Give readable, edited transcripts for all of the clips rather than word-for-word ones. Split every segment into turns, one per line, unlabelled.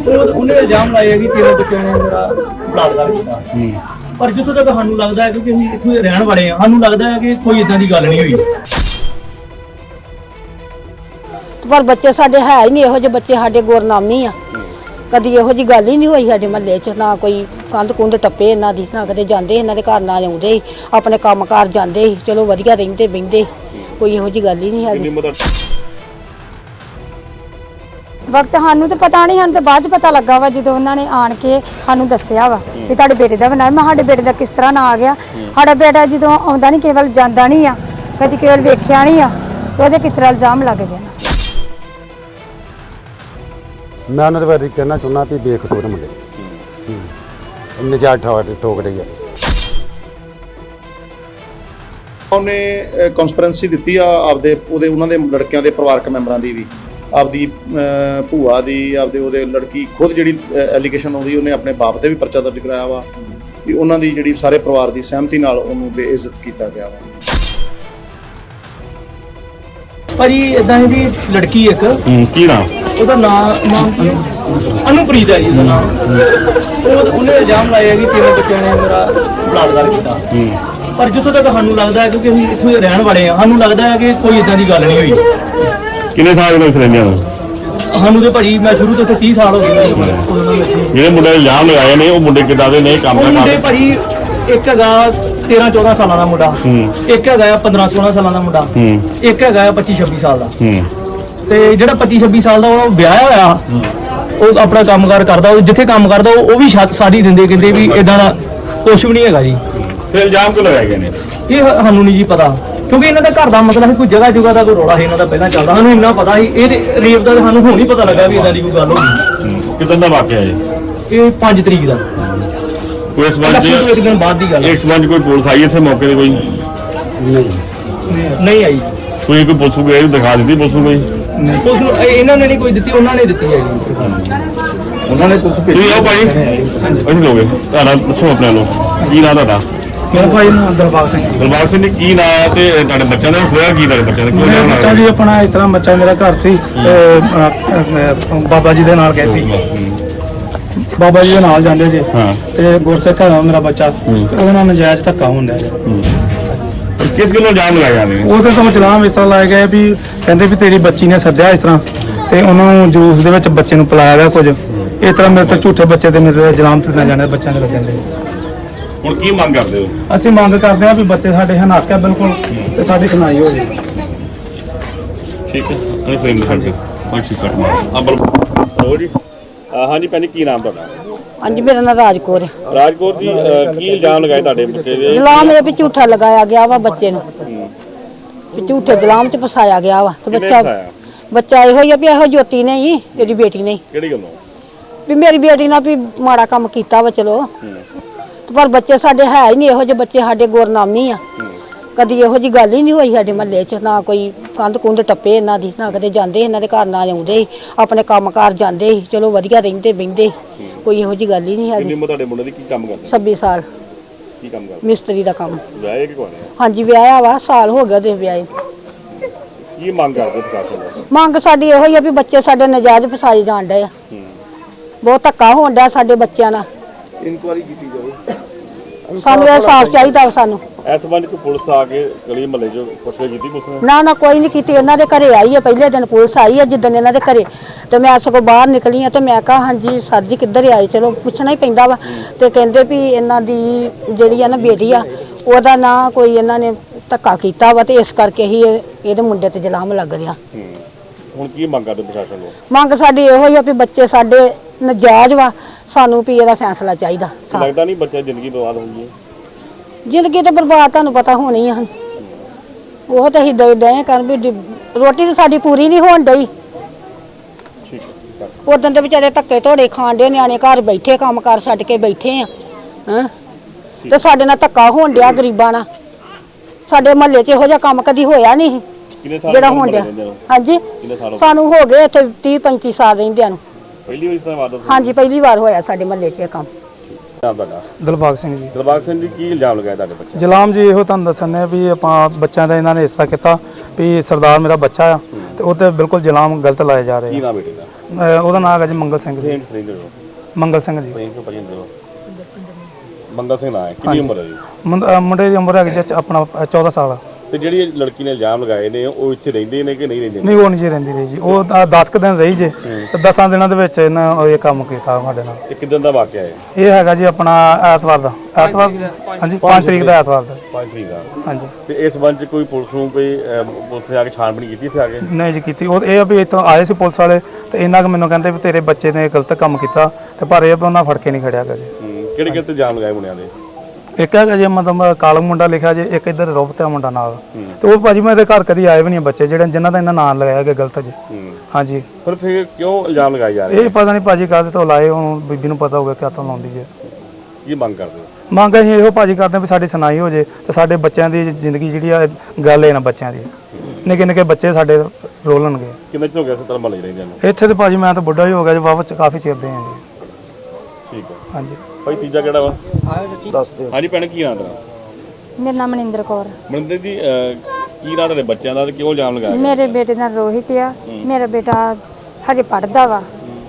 ਉਹਨੇ ਇਲਜ਼ਾਮ ਲਾਇਆ ਕਿ ਤੇਰੇ ਬੱਚਿਆਂ ਨੇ ਮੇਰਾ ਬਲਾਤਕਾਰ ਕੀਤਾ। ਪਰ ਜਿੱਥੋਂ ਤੱਕ ਸਾਨੂੰ ਲੱਗਦਾ ਹੈ ਕਿ ਅਸੀਂ ਇੱਥੇ ਰਹਿਣ ਵਾਲੇ ਹਾਂ, ਸਾਨੂੰ ਲੱਗਦਾ ਹੈ ਕਿ ਕੋਈ ਇਦਾਂ ਦੀ ਗੱਲ ਨਹੀਂ ਹੋਈ।
ਪਰ ਬੱਚੇ ਸਾਡੇ ਹੈ ਹੀ ਨਹੀਂ ਇਹੋ ਜਿਹੇ ਬੱਚੇ, ਸਾਡੇ ਗੁਰਨਾਮੀ ਆ। ਕਦੀ ਇਹੋ ਜਿਹੀ ਗੱਲ ਹੀ ਨਹੀਂ ਹੋਈ ਸਾਡੇ ਮਹੱਲੇ 'ਚ, ਨਾ ਕੋਈ ਕੰਧ ਕੁੰਧ ਟੱਪੇ ਇਹਨਾਂ ਦੀ, ਨਾ ਕਦੇ ਜਾਂਦੇ ਇਹਨਾਂ ਦੇ ਘਰ, ਨਾ ਆਉਂਦੇ ਸੀ, ਆਪਣੇ ਕੰਮ ਕਾਰ ਜਾਂਦੇ ਸੀ, ਚਲੋ ਵਧੀਆ ਰਹਿੰਦੇ ਬਹਿੰਦੇ, ਕੋਈ ਇਹੋ ਜਿਹੀ ਗੱਲ ਹੀ ਨਹੀਂ ਹੈਗੀ।
ਵਕਤ ਸਾਨੂੰ ਤਾਂ ਪਤਾ ਨਹੀਂ, ਸਾਨੂੰ ਤਾਂ ਬਾਅਦ 'ਚ ਪਤਾ ਲੱਗਾ ਵਾ ਜਦੋਂ ਉਹਨਾਂ ਨੇ ਆਣ ਕੇ ਸਾਨੂੰ ਦੱਸਿਆ ਵਾ ਵੀ ਤੁਹਾਡੇ ਬੇਟੇ ਦਾ ਬਣਾਇਆ। ਮੈਂ ਸਾਡੇ ਬੇਟੇ ਦਾ ਕਿਸ ਤਰ੍ਹਾਂ ਨਾ ਆ ਗਿਆ, ਸਾਡਾ ਬੇਟਾ ਜਦੋਂ ਆਉਂਦਾ ਨਹੀਂ, ਕੇਵਲ ਜਾਂਦਾ ਨਹੀਂ ਆ, ਕਦੀ ਕੇਵਲ ਵੇਖਿਆ ਨਹੀਂ ਆ, ਤੇ ਉਹਦੇ ਕਿਸ ਤਰ੍ਹਾਂ ਇਲਜ਼ਾਮ ਲੱਗ ਗਿਆ।
ਮੈਂ ਉਹਨਾਂ ਦੇ ਬਾਰੇ ਕਹਿਣਾ ਚਾਹੁੰਦਾ ਵੀ ਬੇਕਸੂਰ ਮੁੰਡੇ ਨਜਾਇਜ਼ ਠੋਕ ਰਹੀ ਹੈ।
ਉਹਨੇ ਕਨਸਪੀਰੈਂਸੀ ਦਿੱਤੀ ਆ ਆਪਦੇ ਉਹਨਾਂ ਦੇ ਲੜਕਿਆਂ ਦੇ ਪਰਿਵਾਰਕ ਮੈਂਬਰਾਂ ਦੀ ਵੀ, ਆਪਦੀ ਭੂਆ ਦੀ, ਉਹਦੇ ਲੜਕੀ ਖੁਦ ਜਿਹੜੀ ਐਲੀਗੇਸ਼ਨ ਆਉਂਦੀ, ਉਹਨੇ ਆਪਣੇ ਬਾਪ ਤੇ ਵੀ ਪਰਚਾ ਦਰਜ ਕਰਾਇਆ ਵਾ ਵੀ ਉਹਨਾਂ ਦੀ ਜਿਹੜੀ ਸਾਰੇ ਪਰਿਵਾਰ ਦੀ ਸਹਿਮਤੀ ਨਾਲ ਉਹਨੂੰ ਬੇਇੱਜ਼ਤ ਕੀਤਾ ਗਿਆ ਵਾ।
ਭਾਜੀ ਇਦਾਂ ਇਹਦੀ ਲੜਕੀ ਇੱਕ
ਕੀ ਨਾਮ
ਉਹਦਾ ਨਾਮ ਕੀ ਅਨੁਪ੍ਰੀਤ ਹੈ ਜੀ ਉਹਦਾ ਨਾਮ। ਉਹਨੇ ਇਲਜ਼ਾਮ ਲਾਇਆ ਕਿ ਤੇਰੇ ਬੱਚਿਆਂ ਨੇ ਮੇਰਾ ਬਲਾਤਕਾਰ ਕੀਤਾ। ਪਰ ਜਿੱਥੋਂ ਤੱਕ ਸਾਨੂੰ ਲੱਗਦਾ ਹੈ ਕਿ ਅਸੀਂ ਇੱਥੇ ਰਹਿਣ ਵਾਲੇ ਹਾਂ, ਸਾਨੂੰ ਲੱਗਦਾ ਹੈ ਕਿ ਕੋਈ ਇਦਾਂ ਦੀ ਗੱਲ ਨਹੀਂ ਹੋਈ।
ਕਿੰਨੇ ਸਾਲ ਦੇ ਰਹਿੰਦੇ ਹੋ?
ਸਾਨੂੰ ਤੇ ਭਾਜੀ ਮੈਂ ਸ਼ੁਰੂ ਤੋਂ ਇੱਥੇ 30 ਸਾਲ ਹੋ ਗਏ।
ਜਿਹੜੇ ਮੁੰਡੇ ਇਲਜ਼ਾਮ ਲਗਾਏ ਨੇ ਉਹ ਮੁੰਡੇ ਕਿੱਦਾਂ ਦੇ ਨੇ, ਕੰਮ
ਕਰਦੇ? ਮੁੰਡੇ ਭਾਜੀ ਇੱਕ ਹੈਗਾ 13-14 ਸਾਲਾਂ ਦਾ ਮੁੰਡਾ, ਇੱਕ ਹੈਗਾ 15-16 ਸਾਲਾਂ ਦਾ ਮੁੰਡਾ, ਇੱਕ ਹੈਗਾ 25-26 ਸਾਲ ਦਾ। ਤੇ ਜਿਹੜਾ 25-26 ਸਾਲ ਦਾ ਉਹ ਵਿਆਹਿਆ ਹੋਇਆ, ਉਹ ਆਪਣਾ ਕੰਮਕਾਰ ਕਰਦਾ, ਉਹ ਜਿੱਥੇ ਕੰਮ ਕਰਦਾ ਉਹ ਵੀ ਸਾਡੀ ਦਿੰਦੇ, ਕਹਿੰਦੇ ਵੀ ਇਦਾਂ ਦਾ ਕੁਛ ਵੀ ਨਹੀਂ ਹੈਗਾ ਜੀ।
ਤੇ ਇਲਜ਼ਾਮ ਕਿਉਂ ਲਗਾਏ ਗਏ ਨੇ
ਇਹ ਸਾਨੂੰ ਨਹੀਂ ਜੀ ਪਤਾ, ਕਿਉਂਕਿ ਇਹਨਾਂ ਦਾ ਘਰ ਦਾ ਮਸਲਾ ਸੀ, ਕੋਈ ਜਗ੍ਹਾ ਜੁਗਾ ਦਾ ਕੋਈ ਰੌਲਾ ਸੀ ਇਹਨਾਂ ਦਾ ਪਹਿਲਾਂ ਚੱਲਦਾ। ਸਾਨੂੰ ਇੰਨਾ ਪਤਾ ਸੀ ਇਹ ਰੇਪ ਦਾ, ਸਾਨੂੰ ਹੁਣ ਹੀ ਪਤਾ ਲੱਗਾ ਵੀ ਇਦਾਂ ਦੀ ਕੋਈ ਗੱਲ ਹੋਈ।
ਕਿਦਾਂ ਦਾ ਵਾਕਿਆ ਹੈ
ਇਹ 5 ਤਰੀਕ ਦਾ,
ਕੋਈ ਇਸ ਵਾਰ
ਇੱਕ ਦਿਨ ਬਾਅਦ ਦੀ ਗੱਲ।
ਇਸ ਵਾਰ ਕੋਈ ਪੁਲਿਸ ਆਈ ਇੱਥੇ ਮੌਕੇ ਤੇ? ਕੋਈ
ਨਹੀਂ ਆਈ।
ਕੋਈ ਪੁਲਿਸ ਗਏ ਦਿਖਾ ਦਿੱਤੀ ਪੁਲਿਸ ਨੂੰ?
ਪੁਲਿਸ ਨੂੰ ਇਹਨਾਂ ਨੇ ਨਹੀਂ ਕੋਈ ਦਿੱਤੀ, ਉਹਨਾਂ ਨੇ ਦਿੱਤੀ ਹੈ ਜੀ। ਉਹਨਾਂ ਨੇ ਪੁਲਿਸ ਭੇਜੀ।
ਤੁਸੀਂ ਆਓ ਭਾਈ, ਅਸੀਂ ਲੋਗੇ ਤੁਹਾਡਾ ਦੱਸੋ ਆਪਣੇ ਨੂੰ ਕੀ ਨਾਂ ਤੁਹਾਡਾ?
ਮੇਰਾ ਭਾਈ ਨਾਮ ਦਿਲਬਾਗ ਸਿੰਘ।
ਦਿਲਬਾਗ ਸਿੰਘ ਜੀ, ਕੀ ਨਾਂ ਹੈ ਤੇ ਤੁਹਾਡੇ ਬੱਚਿਆਂ ਦਾ ਹੋਇਆ ਕੀ? ਤੁਹਾਡੇ ਬੱਚਿਆਂ ਦਾ
ਮੇਰਾ ਬੱਚਾ ਜੀ ਆਪਣਾ ਇਸ ਤਰ੍ਹਾਂ ਬੱਚਾ ਮੇਰਾ ਘਰ ਸੀ, ਬਾਬਾ ਜੀ ਦੇ ਨਾਲ ਗਏ ਸੀ, ਬਾਬਾ ਜੀ ਦੇ ਨਾਲ ਜਾਂਦੇ ਜੇ, ਤੇ ਗੁਰਸਿੱਖ ਹੈ ਮੇਰਾ ਬੱਚਾ, ਤੇ ਉਹਦੇ ਨਾਲ ਨਜਾਇਜ਼ ਧੱਕਾ ਹੁੰਦਾ ਹੈ।
ਕਿਸ ਗੱਲੋਂ ਇਲਜ਼ਾਮ ਲਗਾਏ ਜਾਂਦੇ ਨੇ?
ਉਹਦੇ ਤੋਂ ਇਲਜ਼ਾਮ ਇਸ ਤਰ੍ਹਾਂ ਲਾਏ ਗਏ ਵੀ ਕਹਿੰਦੇ ਵੀ ਤੇਰੀ ਬੱਚੀ ਨੇ ਸੱਦਿਆ ਇਸ ਤਰ੍ਹਾਂ, ਤੇ ਉਹਨੂੰ ਜੂਸ ਦੇ ਵਿੱਚ ਬੱਚੇ ਨੂੰ ਪਿਲਾਇਆ ਗਿਆ ਕੁਝ ਇਸ ਤਰ੍ਹਾਂ। ਮੇਰੇ ਤੋਂ ਝੂਠੇ ਬੱਚੇ ਤੇ ਮੇਰੇ ਇਲਜ਼ਾਮ ਤੇ ਨਾ ਜਾਣੇ ਬੱਚਿਆਂ ਦੇ ਲੱਗਦੇ।
ਹੁਣ ਕੀ ਮੰਗ ਕਰਦੇ ਹੋ?
ਅਸੀਂ ਮੰਗ ਕਰਦੇ ਹਾਂ ਵੀ ਬੱਚੇ ਸਾਡੇ ਹਨਾਕ ਹੈ ਬਿਲਕੁਲ, ਤੇ ਸਾਡੀ ਸੁਣਾਈ ਹੋ ਜਾਵੇ।
ਠੀਕ ਹੈ, ਅਸੀਂ ਫਰੇਮ ਕਰਦੇ ਹਾਂ। ਠੀਕ ਕੱਟ ਮਾਰ ਹੋ ਜੀ। ਹਾਂਜੀ ਭੈਣ ਜੀ, ਕੀ ਨਾਮ ਤੁਹਾਡਾ?
ਹਾਂਜੀ, ਮੇਰਾ ਨਾਮ ਰਾਜਕੌਰ ਹੈ।
ਰਾਜਕੌਰ ਜੀ, ਕੀ ਇਲਜ਼ਾਮ ਲਗਾਏ ਤੁਹਾਡੇ ਬੱਚੇ ਦੇ?
ਇਲਜ਼ਾਮ ਇਹ ਵੀ ਝੂਠਾ ਲਗਾਇਆ ਗਿਆ ਵਾ ਬੱਚੇ ਨੂੰ, ਵੀ ਝੂਠੇ ਇਲਜ਼ਾਮ 'ਚ ਫਸਾਇਆ ਗਿਆ ਵਾ। ਤੇ ਬੱਚਾ ਇਹੋ ਹੀ ਆ ਵੀ ਇਹੋ ਜੋਤੀ ਨੇ ਹੀ, ਇਹਦੀ ਬੇਟੀ ਨੇ।
ਕਿਹੜੀ ਗੱਲੋਂ?
ਵੀ ਮੇਰੀ ਬੇਟੀ ਨਾਲ ਵੀ ਮਾੜਾ ਕੰਮ ਕੀਤਾ ਵਾ, ਚਲੋ। ਪਰ ਬੱਚੇ ਸਾਡੇ ਹੈ ਹੀ ਨਹੀਂ ਇਹੋ ਜਿਹੇ ਬੱਚੇ, ਸਾਡੇ ਗੁਰਨਾਮੀ ਆ। ਕਦੀ ਇਹੋ ਜਿਹੀ ਗੱਲ ਹੀ ਨਹੀਂ ਹੋਈ ਸਾਡੇ ਮਹੱਲੇ 'ਚ, ਨਾ ਕੋਈ ਕੰਧ ਕੁੰਧ ਟੱਪੇ ਇਹਨਾਂ ਦੀ, ਨਾ ਕਦੇ ਜਾਂਦੇ ਇਹਨਾਂ ਦੇ ਘਰ, ਨਾ ਆਉਂਦੇ ਸੀ, ਆਪਣੇ ਕੰਮ ਕਾਰ ਜਾਂਦੇ ਸੀ, ਚਲੋ ਵਧੀਆ ਰਹਿੰਦੇ ਬਹਿੰਦੇ, ਕੋਈ ਇਹੋ ਜਿਹੀ ਗੱਲ ਹੀ ਨਹੀਂ ਹੈਗੀ।
ਕਿੰਨੀ ਉਮਰ ਤੁਹਾਡੇ ਮੁੰਡੇ ਦੀ? ਕੀ ਕੰਮ ਕਰਦੇ?
26 ਸਾਲ।
ਕੀ ਕੰਮ ਕਰਦੇ?
ਮਿਸਤਰੀ ਦਾ ਕੰਮ।
ਵਿਆਹੇ ਕਿ ਕੋਨੇ?
ਹਾਂਜੀ, ਵਿਆਹਿਆ ਵਾ, ਸਾਲ ਹੋ ਗਿਆ ਉਹਦੇ ਵਿਆਹੇ।
ਕੀ ਮੰਗ ਕਰਦੇ ਪ੍ਰਸ਼ਾਸਨ ਤੋਂ?
ਮੰਗ ਸਾਡੀ ਇਹੋ ਹੀ ਆ ਵੀ ਬੱਚੇ ਸਾਡੇ ਨਜਾਇਜ਼ ਫਸਾਏ ਜਾਣ ਡਏ ਆ, ਬਹੁਤ ਧੱਕਾ ਹੋਣ ਡਿਆ ਸਾਡੇ ਬੱਚਿਆਂ ਨਾਲ।
ਇਨਕੁਆਇਰੀ ਕੀਤੀ ਜਾਵੇ,
ਸਾਨੂੰ ਇਹ ਸਾਫ਼ ਚਾਹੀਦਾ ਵਾ। ਸਾਨੂੰ
ਇਸ ਸੰਬੰਧ ਵਿੱਚ ਪੁਲਿਸ ਆ ਕੇ ਗਲੀ ਮਹੱਲੇ 'ਚ ਪੁੱਛਗਿੱਛ ਕੀਤੀ ਪੁਲਿਸ ਨੇ?
ਨਾ ਕੋਈ ਨਹੀਂ ਕੀਤੀ। ਇਹਨਾਂ ਦੇ ਘਰੇ ਆਈ ਹੈ, ਪਹਿਲੇ ਦਿਨ ਪੁਲਿਸ ਆਈ ਹੈ ਜਿੱਦਣ ਇਹਨਾਂ ਦੇ ਘਰੇ, ਤੇ ਮੈਂ ਸਗੋਂ ਬਾਹਰ ਨਿਕਲੀ ਆ, ਤੇ ਮੈਂ ਕਿਹਾ ਹਾਂਜੀ ਸਰ ਜੀ ਕਿੱਧਰ ਆਏ, ਚਲੋ ਪੁੱਛਣਾ ਹੀ ਪੈਂਦਾ ਵਾ। ਤੇ ਕਹਿੰਦੇ ਵੀ ਇਹਨਾਂ ਦੀ ਜਿਹੜੀ ਆ ਨਾ ਬੇਟੀ ਆ, ਉਹਦਾ ਨਾਂ ਕੋਈ ਇਹਨਾਂ ਨੇ ਧੱਕਾ ਕੀਤਾ ਵਾ, ਤੇ ਇਸ ਕਰਕੇ ਹੀ ਇਹਦੇ ਮੁੰਡੇ ਤੇ ਇਲਜ਼ਾਮ ਲੱਗ ਰਿਹਾ।
ਹੁਣ ਕੀ ਮੰਗ ਕਰਦੇ ਪ੍ਰਸ਼ਾਸਨ ਨੂੰ?
ਮੰਗ ਸਾਡੀ ਇਹੋ ਹੀ ਆ ਵੀ ਬੱਚੇ ਸਾਡੇ ਨਜਾਇਜ਼ ਵਾ, ਸਾਨੂੰ ਵੀ ਇਹਦਾ ਫੈਸਲਾ ਚਾਹੀਦਾ।
ਲੱਗਦਾ ਨਹੀਂ ਬੱਚਾ ਜ਼ਿੰਦਗੀ ਬਰਬਾਦ ਹੋ ਗਈ ਹੈ?
ਜ਼ਿੰਦਗੀ ਤੇ ਬਰਬਾਦ ਤੁਹਾਨੂੰ ਪਤਾ ਹੋਣੀ ਆ, ਉਹ ਤਾਂ ਅਸੀਂ ਡਏ ਕਰਨ ਵੀ ਰੋਟੀ ਤਾਂ ਸਾਡੀ ਪੂਰੀ ਨਹੀਂ ਹੋਣ ਡਈ। ਉਦੋਂ ਦੇ ਵਿਚਾਰੇ ਧੱਕੇ ਧੋੜੇ ਖਾਣ ਦੇ, ਨਿਆਣੇ ਘਰ ਬੈਠੇ, ਕੰਮ ਕਾਰ ਛੱਡ ਕੇ ਬੈਠੇ ਆ, ਤੇ ਸਾਡੇ ਨਾਲ ਧੱਕਾ ਹੋਣ ਡਿਆ ਗਰੀਬਾਂ ਨਾਲ। ਸਾਡੇ ਮਹੱਲੇ 'ਚ ਇਹੋ ਜਿਹਾ ਕੰਮ ਕਦੀ ਹੋਇਆ ਨਹੀਂ ਜਿਹੜਾ ਹੋਣ ਡਿਆ। ਹਾਂਜੀ, ਸਾਨੂੰ ਹੋ ਗਏ ਇੱਥੇ 30-35 ਸਾਲ ਰਹਿੰਦਿਆਂ ਨੂੰ।
ਪਹਿਲੀ ਵਾਰ ਇਸ ਤਰ੍ਹਾਂ ਵਾਰਦਾਤ?
ਹਾਂਜੀ, ਪਹਿਲੀ ਵਾਰ ਹੋਇਆ ਸਾਡੇ ਮਹੱਲੇ 'ਚ ਇਹ ਕੰਮ।
ਦਿਲਬਾਗ ਸਿੰਘ ਜੀ।
ਦਿਲਬਾਗ ਸਿੰਘ ਜੀ, ਕੀ ਇਲਜ਼ਾਮ ਲਗਾਇਆ ਤੁਹਾਡੇ ਬੱਚੇ?
ਇਲਜ਼ਾਮ ਜੀ ਇਹੋ ਤੁਹਾਨੂੰ ਦੱਸਣੇ ਵੀ ਆਪਾਂ ਬੱਚਿਆਂ ਦਾ ਇਹਨਾਂ ਨੇ ਇਸ ਤਰ੍ਹਾਂ ਕੀਤਾ ਵੀ ਸਰਦਾਰ ਮੇਰਾ ਬੱਚਾ ਆ, ਤੇ ਉਹ ਤੇ ਬਿਲਕੁਲ ਇਲਜ਼ਾਮ ਗਲਤ ਲਾਏ ਜਾ ਰਹੇ।
ਕੀ ਨਾਮ ਬੇਟੇ ਦਾ?
ਉਹਦਾ ਨਾਮ ਹੈਗਾ ਜੀ ਮੰਗਲ ਸਿੰਘ ਜੀ।
ਫਰੀਦ ਹੋ
ਮੰਗਲ ਸਿੰਘ ਜੀ।
ਫਰੀਦ ਤੋਂ ਭਾਜੀ ਹੁੰਦੇ ਹੋ ਮੰਗਲ ਸਿੰਘ ਨਾਂ ਹੈ। ਕਿੰਨੀ ਉਮਰ ਹੈ ਜੀ?
ਮੁੰਡੇ ਦੀ ਉਮਰ ਹੈਗੀ ਜੀ ਆਪਣਾ 14 ਸਾਲ।
ਤੇ ਜਿਹੜੀ ਇਹ ਲੜਕੀ ਨੇ ਇਲਜ਼ਾਮ ਲਗਾਏ ਨੇ ਉਹ ਇੱਥੇ ਰਹਿੰਦੇ ਨੇ ਕਿ ਨਹੀਂ ਰਹਿੰਦੇ?
ਨਹੀਂ, ਉਹ ਨਹੀਂ ਜੀ ਰਹਿੰਦੀ ਰਹੀ ਜੀ। ਉਹ 10 ਕੁ ਦਿਨ ਰਹੀ ਜੇ ਤੇ 10 ਦਿਨਾਂ ਦੇ ਵਿੱਚ ਇਹਨਾਂ ਇਹ ਕੰਮ ਕੀਤਾ ਸਾਡੇ ਨਾਲ।
ਇਹ ਕਿਦਾਂ ਦਾ ਵਾਕਿਆ ਹੈ?
ਇਹ ਹੈਗਾ ਜੀ ਆਪਣਾ ਐਤਵਾਰ ਦਾ। ਐਤਵਾਰ ਹਾਂਜੀ 5 ਤਰੀਕ ਦਾ ਐਤਵਾਰ ਦਾ।
5 ਤਰੀਕ ਦਾ।
ਹਾਂਜੀ।
ਤੇ ਇਸ ਸੰਬੰਧ ਚ ਕੋਈ ਪੁਲਿਸ ਨੂੰ ਕੋਈ ਪੁਲਿਸ ਨੇ ਆ ਕੇ ਛਾਣਬੀਣ ਕੀਤੀ ਇੱਥੇ ਆ ਕੇ?
ਨਹੀਂ ਜੀ ਕੀਤੀ। ਉਹ ਇਹ ਆ ਵੀ ਇੱਥੋਂ ਆਏ ਸੀ ਪੁਲਿਸ ਵਾਲੇ ਤੇ ਇਹਨਾਂ ਕੁ ਮੈਨੂੰ ਕਹਿੰਦੇ ਵੀ ਤੇਰੇ ਬੱਚੇ ਨੇ ਗਲਤ ਕੰਮ ਕੀਤਾ ਤੇ ਪਰ ਇਹ ਵੀ ਉਹਨਾਂ ਫੜ ਕੇ ਨਹੀਂ ਖੜਿਆ ਗਾ ਜੀ।
ਕਿਹੜੇ ਕਿਹੜੇ ਇਲਜ਼ਾਮ ਲਗਾਏ ਮੁੰਡਿਆਂ ਦੇ?
ਇੱਕ ਹੈਗਾ ਜੀ ਮਤਲਬ ਕਾਲਮ ਮੁੰਡਾ ਲਿਖਿਆ ਜੀ, ਇੱਕ ਇੱਧਰ ਰੋਬਤਾ ਮੁੰਡਾ ਨਾਲ। ਤੇ ਉਹ ਭਾਜੀ ਮੈਂ ਇਹਦੇ ਘਰ ਕਦੀ ਆਏ ਵੀ ਨਹੀਂ ਬੱਚੇ ਜਿਨ੍ਹਾਂ ਦਾ ਇਹਨਾਂ ਨਾਂ ਲਗਾਇਆ ਗਿਆ ਗਲਤ ਜੀ। ਹਾਂਜੀ।
ਪਰ ਫਿਰ ਕਿਉਂ ਇਲਜ਼ਾਮ ਲਗਾਏ ਜਾ ਰਹੇ?
ਇਹ ਪਤਾ ਨਹੀਂ ਭਾਜੀ ਕਾਹਦੇ ਤੋਂ ਲਾਏ, ਹੁਣ ਬੀਬੀ ਨੂੰ ਪਤਾ ਹੋਊਗਾ ਕਿਆ ਤੋਂ ਲਾਉਂਦੀ ਜੀ।
ਕੀ ਮੰਗ ਕਰਦੇ ਹੋ?
ਮੰਗ ਅਸੀਂ ਇਹੋ ਭਾਜੀ ਕਰਦੇ ਵੀ ਸਾਡੀ ਸੁਣਾਈ ਹੋ ਜੇ ਤੇ ਸਾਡੇ ਬੱਚਿਆਂ ਦੀ ਜ਼ਿੰਦਗੀ ਜਿਹੜੀ ਆ ਗੱਲ ਹੈ ਨਾ ਬੱਚਿਆਂ ਦੀ। ਨਿੱਕੇ ਨਿੱਕੇ ਬੱਚੇ ਸਾਡੇ ਰੋਲਣਗੇ।
ਕਿੰਨੇ ਚਿਰ ਹੋ ਗਿਆ ਸਤਰ ਮਹੱਲੇ ਰਹਿੰਦੇ ਨੂੰ?
ਇੱਥੇ ਤੇ ਭਾਜੀ ਮੈਂ ਤਾਂ ਬੁੱਢਾ ਹੀ ਹੋ ਗਿਆ ਜੀ, ਵਾਹਵਾ ਕਾਫੀ ਚਿਰ ਦੇ ਆ ਜੀ।
ਠੀਕ ਹੈ
ਹਾਂਜੀ।
ਭਾਈ ਤੀਜਾ ਕਿਹੜਾ ਵਾ?
ਦੱਸ ਦਿਓ।
ਹਾਂਜੀ ਭੈਣ, ਕੀ ਨਾਂ ਤੇਰਾ?
ਮੇਰਾ ਨਾਮ ਮਨਿੰਦਰ ਕੌਰ।
ਮਨਿੰਦਰ ਜੀ, ਕੀ ਨਾਂ ਤੁਹਾਡੇ ਬੱਚਿਆਂ ਦਾ ਤੇ ਕਿਉਂ ਇਲਜ਼ਾਮ ਲਗਾਇਆ?
ਮੇਰੇ ਬੇਟੇ ਦਾ ਰੋਹਿਤ ਆ। ਮੇਰਾ ਬੇਟਾ ਹਜੇ ਪੜ੍ਹਦਾ ਵਾ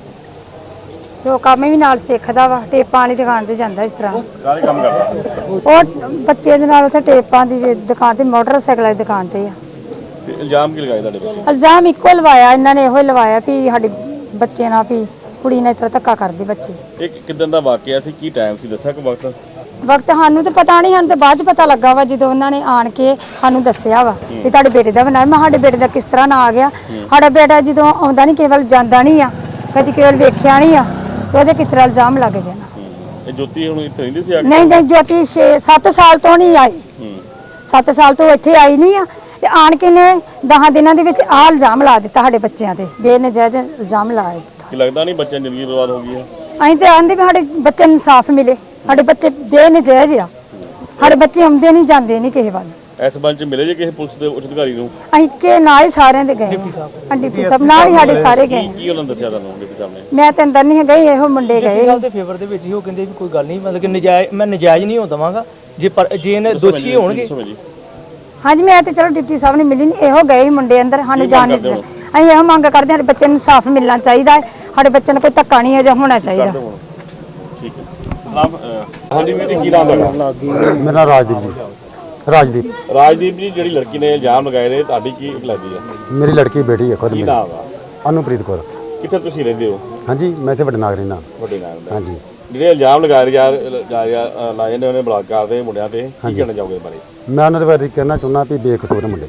ਤੇ ਉਹ ਕੰਮ ਵੀ ਨਾਲ ਸਿੱਖਦਾ ਵਾ। ਟੇਪਾਂ ਵਾਲੀ ਦੁਕਾਨ ਤੇ ਜਾਂਦਾ ਇਸ ਤਰ੍ਹਾਂ।
ਕਾਹਦੇ ਕੰਮ ਕਰਦਾ?
ਉਹ ਬੱਚੇ ਦੇ ਨਾਲ ਉੱਥੇ ਟੇਪਾਂ ਦੀ ਦੁਕਾਨ ਤੇ, ਮੋਟਰਸਾਈਕਲ ਦੀ ਦੁਕਾਨ ਤੇ ਆ।
ਤੇ ਇਲਜ਼ਾਮ ਕੀ ਲਗਾਏ ਤੁਹਾਡੇ ਬੱਚੇ?
ਇਲਜ਼ਾਮ ਇੱਕੋ ਲਵਾਇਆ ਇਹਨਾਂ ਨੇ, ਇਹੋ ਹੀ ਲਵਾਇਆ ਵੀ ਸਾਡੇ ਬੱਚੇ ਨਾਲ ਵੀ ਕੁੜੀ ਨਾਲ ਇਸ ਤਰ੍ਹਾਂ ਧੱਕਾ ਕਰਦੀ ਬੱਚੇ।
ਇਹ ਕਿਦਾਂ ਦਾ ਵਾਕਿਆ ਸੀ? ਕੀ ਟਾਈਮ ਸੀ ਦੱਸਿਆ ਕਿ ਵਕਤ?
ਵਕਤ ਸਾਨੂੰ ਤਾਂ ਪਤਾ ਨਹੀਂ, ਸਾਨੂੰ ਤਾਂ ਬਾਅਦ ਚ ਪਤਾ ਲੱਗਾ ਵਾ ਜਦੋਂ ਉਹਨਾਂ ਨੇ ਆਣ ਕੇ ਸਾਨੂੰ ਦੱਸਿਆ ਵਾ ਵੀ ਤੁਹਾਡੇ ਬੇਟੇ ਦਾ ਬਣਾਇਆ। ਮੈਂ ਸਾਡੇ ਬੇਟੇ ਦਾ ਕਿਸ ਤਰ੍ਹਾਂ ਨਾ ਆ ਗਿਆ। ਸਾਡਾ ਬੇਟਾ ਜਦੋਂ ਆਉਂਦਾ ਨਹੀਂ, ਕੇਵਲ ਜਾਂਦਾ ਨਹੀਂ ਆ, ਕਦੀ ਕੇਵਲ ਵੇਖਿਆ ਨਹੀਂ ਆ ਤੇ ਉਹਦੇ ਕਿਸ ਤਰ੍ਹਾਂ ਇਲਜ਼ਾਮ ਲੱਗ ਗਏ ਨਾ।
ਇਹ ਜੋਤੀ ਹੁਣ ਇੱਥੇ ਰਹਿੰਦੀ ਸੀ ਆ ਕੇ?
ਨਹੀਂ ਨਹੀਂ, ਜੋਤੀ 7 ਸਾਲ ਤੋਂ ਨਹੀਂ ਆਈ। 7 ਸਾਲ ਤੋਂ ਇੱਥੇ ਆਈ ਨਹੀਂ ਆ ਤੇ ਆਣ ਕੇ ਨੇ 10 ਦਿਨਾਂ ਦੇ ਵਿੱਚ ਆਹ ਇਲਜ਼ਾਮ ਲਾ ਦਿੱਤਾ ਸਾਡੇ ਬੱਚਿਆਂ ਤੇ, ਬੇਨਜਾਇਜ਼ ਇਲਜ਼ਾਮ ਲਾ ਦਿੱਤਾ।
ਕੀ ਲੱਗਦਾ ਨਹੀਂ ਬੱਚਿਆਂ ਦੀ ਜ਼ਿੰਦਗੀ ਬਰਬਾਦ ਹੋ ਗਈ ਹੈ?
ਅਸੀਂ ਤੇ ਆਂਦੇ ਵੀ ਸਾਡੇ ਬੱਚਿਆਂ ਨੂੰ ਇਨਸਾਫ ਮਿਲੇ। ਸਾਡੇ ਬੱਚੇ ਬੇਨਜਾਇਜ਼ ਆ। ਸਾਡੇ ਬੱਚੇ ਆਉਂਦੇ ਨਹੀਂ ਜਾਂਦੇ ਨਹੀਂ ਕਿਸੇ ਵੱਲ।
ਇਸ ਸੰਬੰਧ ਚ ਮਿਲੇ ਜੇ ਕਿਸੇ ਪੁਲਿਸ ਦੇ ਉੱਚ ਅਧਿਕਾਰੀ ਨੂੰ?
ਅਸੀਂ ਕਿ ਨਾਲ ਹੀ ਸਾਰਿਆਂ ਦੇ ਗਏ ਡਿਪਟੀ ਸਾਹਿਬ ਨਾਲ ਹੀ ਸਾਡੇ ਸਾਰੇ ਗਏ।
ਕੀ ਉਹਨਾਂ ਨੇ ਦੱਸਿਆ ਤੁਹਾਨੂੰ ਡਿਪਟੀ ਸਾਹਿਬ ਨੇ?
ਮੈਂ ਤੇ ਅੰਦਰ ਨਹੀਂ ਗਈ, ਇਹੋ ਮੁੰਡੇ ਗਏ।
ਗੱਲ ਦੇ ਫੇਵਰ ਦੇ ਵਿੱਚ ਹੀ ਉਹ ਕਹਿੰਦੇ ਵੀ ਕੋਈ ਗੱਲ ਨਹੀਂ, ਮਤਲਬ ਕਿ ਨਜਾਇਜ਼, ਮੈਂ ਨਜਾਇਜ਼ ਨਹੀਂ ਹੋਣ ਦਵਾਂਗਾ ਜੇ ਇਹਨੇ ਦੋਸ਼ੀ ਹੋਣਗੇ।
ਹਾਂਜੀ, ਮੈਂ ਤੇ ਚਲੋ ਡਿਪਟੀ ਸਾਹਿਬ ਨੇ ਮਿਲੀ ਨਹੀਂ, ਇਹੋ ਗਏ ਮੁੰਡੇ ਅੰਦਰ, ਸਾਨੂੰ ਜਾਣ ਨਹੀਂ ਦਿੱਤਾ। ਅਸੀਂ ਇਹੋ ਮੰਗ ਕਰਦੇ ਸਾਡੇ ਬੱਚੇ ਨੂੰ ਇਨਸਾਫ ਮਿਲਣਾ ਚਾਹੀਦਾ ਹੈ। ਸਾਡੇ ਬੱਚੇ ਨੂੰ ਕੋਈ ਧੱਕਾ ਨਹੀਂ ਅਜਾ ਹੋਣਾ ਚਾਹੀਦਾ।
ਠੀਕ ਹੈ। ਹਾਂਜੀ ਵੀਰ ਜੀ, ਕੀ ਨਾਮ ਹੈਗਾ?
ਮੇਰਾ ਨਾਮ ਰਾਜਦੀਪ ਜੀ।
ਰਾਜਦੀਪ ਜੀ, ਜਿਹੜੀ ਲੜਕੀ ਨੇ ਇਲਜ਼ਾਮ ਲਗਾਏ ਨੇ ਤੁਹਾਡੀ ਕੀ ਲੱਗਦੀ ਹੈ?
ਮੇਰੀ ਲੜਕੀ ਬੇਟੀ ਹੈ ਖੁਦ
ਕੀ
ਮੇਰੀ,
ਨਾਮ ਆ?
ਅਨੂਪ੍ਰੀਤ ਕੌਰ।
ਕਿੱਥੇ ਤੁਸੀਂ ਰਹਿੰਦੇ ਹੋ?
ਹਾਂਜੀ, ਮੈਂ ਇੱਥੇ ਵੱਡੇ ਨਾਗਰੀ ਨਾਲ।
ਵੱਡੇ ਨਾਮ ਦਾ।
ਹਾਂਜੀ।
ਜਿਹੜੇ ਇਲਜ਼ਾਮ ਲਗਾਏ ਲਾਏ ਨੇ ਉਹਨੇ ਬਲਾਤਕਾਰ ਦੇ ਮੁੰਡਿਆਂ ਤੇ, ਕੀ ਕਹਿਣਾ ਚਾਹੋਗੇ ਇਸ ਬਾਰੇ?
ਮੈਂ ਉਹਨਾਂ ਦੇ ਬਾਰੇ ਕਹਿਣਾ ਚਾਹੁੰਦਾ ਵੀ ਬੇਕਸੂਰ ਮੁੰਡੇ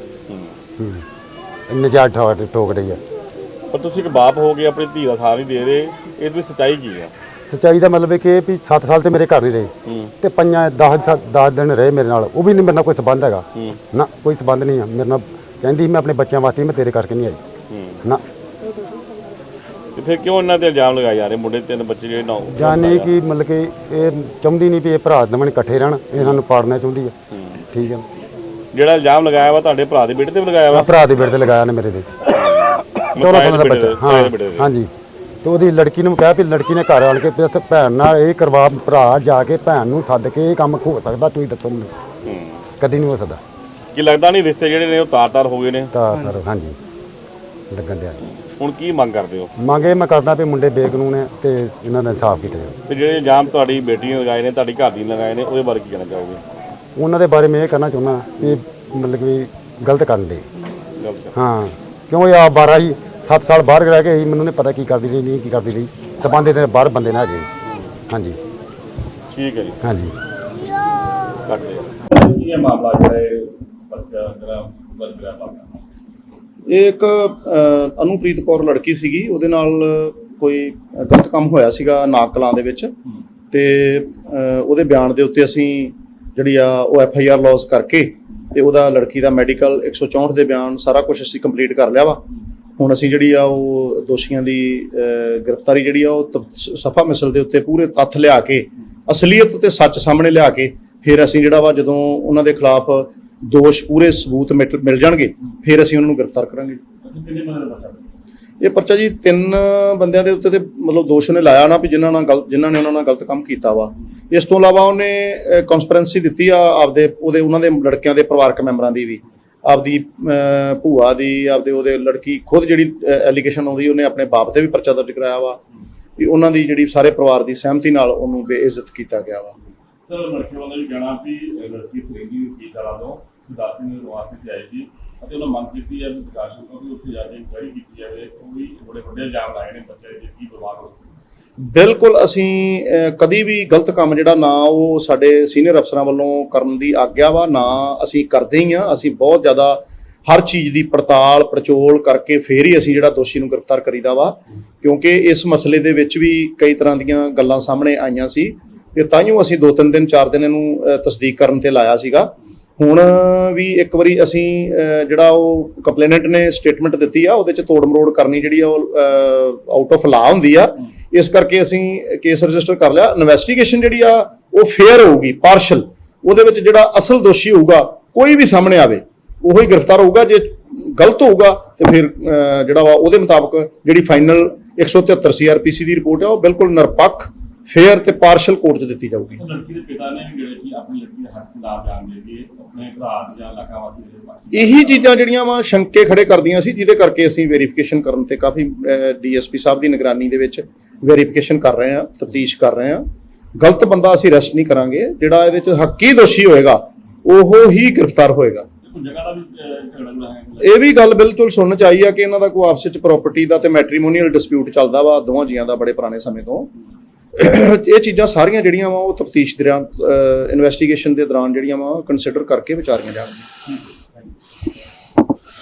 ਨਜਾਇਜ਼ ਠੋਕ ਰਹੀ ਹੈ।
ਪਰ ਤੁਸੀਂ ਇੱਕ ਬਾਪ ਹੋ ਕੇ ਆਪਣੀ ਧੀ ਦਾ ਸਾਥ ਨਹੀਂ ਦੇ ਰਹੇ, ਇਹ ਦੀ ਸੱਚਾਈ ਕੀ ਹੈ?
ਸੱਚਾਈ ਦਾ ਮਤਲਬ ਇਹ ਕਿ ਵੀ 7 ਸਾਲ ਤੇ ਮੇਰੇ ਘਰ ਨਹੀਂ ਰਹੇ ਤੇ 10 ਦਿਨ ਰਹੇ ਮੇਰੇ ਨਾਲ, ਉਹ ਵੀ ਨਹੀਂ ਮੇਰੇ ਨਾਲ ਕੋਈ ਸਬੰਧ ਹੈਗਾ ਨਾ, ਕੋਈ ਸਬੰਧ ਨਹੀਂ ਆ ਮੇਰੇ ਨਾਲ। ਕਹਿੰਦੀ ਮੈਂ ਆਪਣੇ ਬੱਚਿਆਂ ਵਾਸਤੇ, ਮੈਂ ਤੇਰੇ ਕਰਕੇ ਨਹੀਂ ਆਈ ਨਾ।
ਤੇ ਫਿਰ ਕਿਉਂ ਇਹਨਾਂ ਤੇ ਇਲਜ਼ਾਮ ਲਗਾਏ ਜਾ ਰਹੇ? ਮੁੰਡੇ 3 ਬੱਚੇ ਜਿਹੜੇ ਨਾ
ਜਾਣੇ ਕਿ ਮਤਲਬ ਕਿ ਇਹ ਚਾਹੁੰਦੀ ਨਹੀਂ ਵੀ ਇਹ ਭਰਾ ਦਮਨ ਇਕੱਠੇ ਰਹਿਣ, ਇਹਨਾਂ ਨੂੰ ਪਾੜਨਾ ਚਾਹੁੰਦੀ ਹੈ। ਠੀਕ ਹੈ।
ਜਿਹੜਾ ਇਲਜ਼ਾਮ ਲਗਾਇਆ ਵਾ ਤੁਹਾਡੇ ਭਰਾ ਦੇ ਬੇਟੇ ਤੇ ਵੀ ਲਗਾਇਆ ਵਾ?
ਭਰਾ ਦੇ ਬੇਟੇ ਤੇ ਲਗਾਇਆ ਨੇ ਮੇਰੇ ਤੇ। 14 ਸਾਲਾਂ ਦਾ ਬੱਚਾ। ਹਾਂ ਹਾਂਜੀ। ਤੇ ਉਹਦੀ ਲੜਕੀ ਨੂੰ ਕਿਹਾ ਵੀ ਲੜਕੀ ਨੇ ਘਰ ਆਣ ਕੇ ਭੈਣ ਨਾਲ ਇਹ ਕਰਵਾ, ਭਰਾ ਜਾ ਕੇ ਭੈਣ ਨੂੰ ਸੱਦ ਕੇ ਇਹ ਕੰਮ ਹੋ ਸਕਦਾ, ਤੁਸੀਂ ਦੱਸੋ ਮੈਨੂੰ। ਕਦੀ ਨਹੀਂ ਹੋ ਸਕਦਾ।
ਕੀ ਲੱਗਦਾ ਨਹੀਂ ਰਿਸ਼ਤੇ ਜਿਹੜੇ ਨੇ ਉਹ ਤਾਰ-ਤਾਰ ਹੋ ਗਏ ਨੇ?
ਤਾਂ ਹਾਂਜੀ ਲੱਗਣ ਡਿਆ।
ਹੁਣ ਕੀ ਮੰਗ ਕਰਦੇ ਹੋ?
ਮੰਗ ਇਹ ਮੈਂ ਕਰਦਾ ਵੀ ਮੁੰਡੇ ਬੇਕਾਨੂੰਨ ਹੈ ਤੇ ਇਹਨਾਂ ਦਾ ਇਨਸਾਫ ਕੀਤਾ ਜਾਵੇ।
ਤੇ ਜਿਹੜੇ ਇਲਜ਼ਾਮ ਤੁਹਾਡੀ ਬੇਟੀ ਨੇ ਲਗਾਏ ਨੇ, ਤੁਹਾਡੀ ਘਰ ਦੀ ਨੇ ਲਗਾਏ ਨੇ, ਉਹਦੇ ਬਾਰੇ ਕੀ ਕਹਿਣਾ ਚਾਹੋਗੇ?
ਉਹਨਾਂ ਦੇ ਬਾਰੇ ਮੈਂ ਇਹ ਕਹਿਣਾ ਚਾਹੁੰਦਾ ਵੀ ਮਤਲਬ ਕਿ ਗਲਤ ਕਰਨ ਦੇ। ਹਾਂ, ਕਿਉਂ ਇਹ ਆ 12 ਹੀ 7 ਸਾਲ ਬਾਹਰ ਰਹਿ ਕੇ ਆਈ, ਮੈਨੂੰ ਨਹੀਂ ਪਤਾ ਕੀ ਕਰਦੀ ਰਹੀ ਨਹੀਂ ਕੀ ਕਰਦੀ ਰਹੀ। ਸਬੰਧ ਦੇ ਬਾਹਰ ਬੰਦੇ ਨਾ ਹੈਗੇ। ਹਾਂਜੀ
ਠੀਕ ਹੈ ਜੀ।
ਹਾਂਜੀ।
ਕੱਟ ਦੇ ਕੀ ਹੈ ਮਾਮਲਾ ਜਿਹੜਾ ਇਹ ਬੱਚਾ ਜਿਹੜਾ ਬਰਗਰਾ ਪਾਉਂਦਾ?
ਇਹ ਇੱਕ ਅਨੂਪ੍ਰੀਤ ਕੌਰ ਲੜਕੀ ਸੀਗੀ, ਉਹਦੇ ਨਾਲ ਕੋਈ ਗਲਤ ਕੰਮ ਹੋਇਆ ਸੀਗਾ ਨਾਗ ਕਲਾਂ ਦੇ ਵਿੱਚ ਤੇ ਉਹਦੇ ਬਿਆਨ ਦੇ ਉੱਤੇ ਅਸੀਂ ਜਿਹੜੀ ਆ ਉਹ FIR ਲੌਸ ਕਰਕੇ ਤੇ ਉਹਦਾ ਲੜਕੀ ਦਾ ਮੈਡੀਕਲ 164 ਦੇ ਬਿਆਨ ਸਾਰਾ ਕੁਝ ਅਸੀਂ ਕੰਪਲੀਟ ਕਰ ਲਿਆ ਵਾ। ਹੁਣ ਅਸੀਂ ਜਿਹੜੀ ਆ ਉਹ ਦੋਸ਼ੀਆਂ ਦੀ ਗ੍ਰਿਫਤਾਰੀ ਜਿਹੜੀ ਆ ਉਹ ਸਫਾ ਮਿਸਲ ਦੇ ਉੱਤੇ ਪੂਰੇ ਤੱਥ ਲਿਆ ਕੇ, ਅਸਲੀਅਤ ਤੇ ਸੱਚ ਸਾਹਮਣੇ ਲਿਆ ਕੇ ਫਿਰ ਅਸੀਂ ਜਿਹੜਾ ਵਾ ਜਦੋਂ ਉਹਨਾਂ ਦੇ ਖਿਲਾਫ ਦੋਸ਼ ਪੂਰੇ ਸਬੂਤ ਮਿਲ ਜਾਣਗੇ ਫਿਰ ਅਸੀਂ ਉਹਨਾਂ ਨੂੰ ਗ੍ਰਿਫਤਾਰ ਕਰਾਂਗੇ। ਇਹ ਪਰਚਾ ਜੀ 3 ਬੰਦਿਆਂ ਦੇ ਉੱਤੇ ਤੇ ਮਤਲਬ ਦੋਸ਼ ਉਹਨੇ ਲਾਇਆ ਨਾ ਵੀ ਜਿਨ੍ਹਾਂ ਨੇ ਉਹਨਾਂ ਨਾਲ ਗਲਤ ਕੰਮ ਕੀਤਾ ਵਾ। ਇਸ ਤੋਂ ਇਲਾਵਾ ਉਹਨੇ ਕਨਸਪੀਰੈਂਸੀ ਦਿੱਤੀ ਆ ਆਪਦੇ ਉਹਨਾਂ ਦੇ ਲੜਕਿਆਂ ਦੇ ਪਰਿਵਾਰਕ ਮੈਂਬਰਾਂ ਦੀ ਵੀ, ਆਪਦੀ ਭੂਆ ਦੀ ਆਪਦੇ ਉਹਦੇ ਲੜਕੀ ਖੁਦ ਜਿਹੜੀ ਐਲੀਗੇਸ਼ਨ ਆਉਂਦੀ ਉਹਨੇ ਆਪਣੇ ਬਾਪ ਤੇ ਵੀ ਪਰਚਾ ਦਰਜ ਕਰਾਇਆ ਵਾ ਵੀ ਉਹਨਾਂ ਦੀ ਜਿਹੜੀ ਸਾਰੇ ਪਰਿਵਾਰ ਦੀ ਸਹਿਮਤੀ ਨਾਲ ਉਹਨੂੰ ਬੇਇੱਜ਼ਤ ਕੀਤਾ ਗਿਆ ਵਾ।
ਸਰ ਲੜਕੀ ਵਾਲਾ ਵੀ ਕਹਿਣਾ ਵੀ ਲੜਕੀ ਖਰੀਦੀ ਵਕੀਲ ਵਾਲਾ ਤੋਂ ਸਿਧਾਰਥ ਨੇ ਵਾਸਤੇ ਤੇ ਆਈ ਸੀ ਅਤੇ ਉਹਨਾਂ ਮੰਗ ਕੀਤੀ ਹੈ ਵੀ ਪ੍ਰਕਾਸ਼ ਨੂੰ ਉੱਥੇ ਜਾ ਕੇ ਇਨਕੁਆਇਰੀ ਕੀਤੀ ਜਾਵੇ। ਉਹ ਵੀ ਬੜੇ ਵੱਡੇ ਇਲਜ਼ਾਮ ਲਾਏ ਨੇ ਬੱਚੇ ਦੇ ਕੀ ਬਰਬਾਦ ਹੋ।
ਬਿਲਕੁਲ ਅਸੀਂ ਕਦੀ ਵੀ ਗਲਤ ਕੰਮ ਜਿਹੜਾ ਨਾ ਉਹ ਸਾਡੇ ਸੀਨੀਅਰ ਅਫਸਰਾਂ ਵੱਲੋਂ ਕਰਨ ਦੀ ਆਗਿਆ ਵਾ ਨਾ ਅਸੀਂ ਕਰਦੇ ਹੀ ਆ। ਅਸੀਂ ਬਹੁਤ ਜ਼ਿਆਦਾ ਹਰ ਚੀਜ਼ ਦੀ ਪੜਤਾਲ ਪੜਚੋਲ ਕਰਕੇ ਫੇਰ ਹੀ ਅਸੀਂ ਜਿਹੜਾ ਦੋਸ਼ੀ ਨੂੰ ਗ੍ਰਿਫਤਾਰ ਕਰੀਦਾ ਵਾ, ਕਿਉਂਕਿ ਇਸ ਮਸਲੇ ਦੇ ਵਿੱਚ ਵੀ ਕਈ ਤਰ੍ਹਾਂ ਦੀਆਂ ਗੱਲਾਂ ਸਾਹਮਣੇ ਆਈਆਂ ਸੀ ਤੇ ਤਾਂਹੀਓ ਅਸੀਂ 2-3 ਦਿਨ 4 ਦਿਨ ਇਹਨੂੰ ਤਸਦੀਕ ਕਰਨ ਤੇ ਲਾਇਆ ਸੀਗਾ। ਹੁਣ ਵੀ ਇੱਕ ਵਾਰੀ ਅਸੀਂ ਜਿਹੜਾ ਉਹ ਕੰਪਲੇਨੈਂਟ ਨੇ ਸਟੇਟਮੈਂਟ ਦਿੱਤੀ ਆ ਉਹਦੇ ਚ ਤੋੜ ਮਰੋੜ ਕਰਨੀ ਜਿਹੜੀ ਆ ਉਹ ਆਊਟ ਆਫ ਲਾ ਹੁੰਦੀ ਆ, ਇਸ ਕਰਕੇ ਅਸੀਂ ਕੇਸ ਰਜਿਸਟਰ ਕਰ ਲਿਆ। ਇਨਵੈਸਟੀਗੇਸ਼ਨ ਜਿਹੜੀ ਆ ਉਹ ਫੇਅਰ ਹੋਊਗੀ, ਪਾਰਸ਼ਲ। ਉਹਦੇ ਵਿੱਚ ਜਿਹੜਾ ਅਸਲ ਦੋਸ਼ੀ ਹੋਊਗਾ ਕੋਈ ਵੀ ਸਾਹਮਣੇ ਆਵੇ ਉਹੋ ਹੀ ਗ੍ਰਿਫਤਾਰ ਹੋਊਗਾ। ਜੇ ਗਲਤ ਹੋਊਗਾ ਤੇ ਫਿਰ ਜਿਹੜਾ ਵਾ ਉਹਦੇ ਮੁਤਾਬਕ ਜਿਹੜੀ ਫਾਈਨਲ 173 CRPC ਦੀ ਰਿਪੋਰਟ ਆ ਉਹ ਬਿਲਕੁਲ ਨਿਰਪੱਖ ਫੇਅਰ ਤੇ ਪਾਰਸ਼ਲ ਕੋਰਟ 'ਚ ਦਿੱਤੀ ਜਾਊਗੀ।
ਲੜਕੀ ਦੇ ਪਿਤਾ ਨੇ ਵੀ ਜਿਹੜੇ ਸੀ ਆਪਣੀ ਲੜਕੀ ਦੇ ਹੱਕ ਖਿਲਾਫ ਜਾਣ ਦੇ ਕੇ ਆਪਣੇ ਭਰਾ ਜਾਂ ਇਲਾਕਾ ਵਾਸੀ ਦੇ
ਇਹੀ ਚੀਜ਼ਾਂ ਜਿਹੜੀਆਂ ਵਾ ਸ਼ੰਕੇ ਖੜੇ ਕਰਦੀਆਂ ਸੀ, ਜਿਹਦੇ ਕਰਕੇ ਅਸੀਂ ਵੈਰੀਫਿਕੇਸ਼ਨ ਕਰਨ ਤੇ ਕਾਫੀ DSP ਸਾਹਿਬ ਦੀ ਨਿਗਰਾਨੀ ਦੇ ਵਿੱਚ ਵੈਰੀਫਿਕੇਸ਼ਨ ਕਰ ਰਹੇ ਹਾਂ, ਤਫਤੀਸ਼ ਕਰ ਰਹੇ ਹਾਂ। ਗਲਤ ਬੰਦਾ ਅਸੀਂ ਅਰੈਸਟ ਨਹੀਂ ਕਰਾਂਗੇ, ਜਿਹੜਾ ਇਹਦੇ 'ਚ ਹੱਕੀ ਦੋਸ਼ੀ ਹੋਏਗਾ ਉਹ ਹੀ ਗ੍ਰਿਫਤਾਰ ਹੋਏਗਾ।
ਜਗ੍ਹਾ ਦਾ ਵੀ ਝਗੜਾ ਹੈ।
ਇਹ ਵੀ ਗੱਲ ਬਿਲਕੁਲ ਸੁਣਨ ਚ ਆਈ ਆ ਕਿ ਇਹਨਾਂ ਦਾ ਕੋਈ ਆਪਸ ਵਿੱਚ ਪ੍ਰਾਪਰਟੀ ਦਾ ਤੇ ਮੈਟਰੀਮੋਨੀਅਲ ਡਿਸਪਿਊਟ ਚੱਲਦਾ ਵਾ ਦੋਵਾਂ ਜੀਆਂ ਦਾ ਬੜੇ ਪੁਰਾਣੇ ਸਮੇਂ ਤੋਂ। ਇਹ ਚੀਜ਼ਾਂ ਸਾਰੀਆਂ ਜਿਹੜੀਆਂ ਵਾ ਉਹ ਤਫਤੀਸ਼ ਦੌਰਾਨ ਇਨਵੈਸਟੀਗੇਸ਼ਨ ਦੇ ਦੌਰਾਨ ਜਿਹੜੀਆਂ ਵਾ ਕੰਸੀਡਰ ਕਰਕੇ ਵਿਚਾਰੀਆਂ ਜਾਣਗੀਆਂ।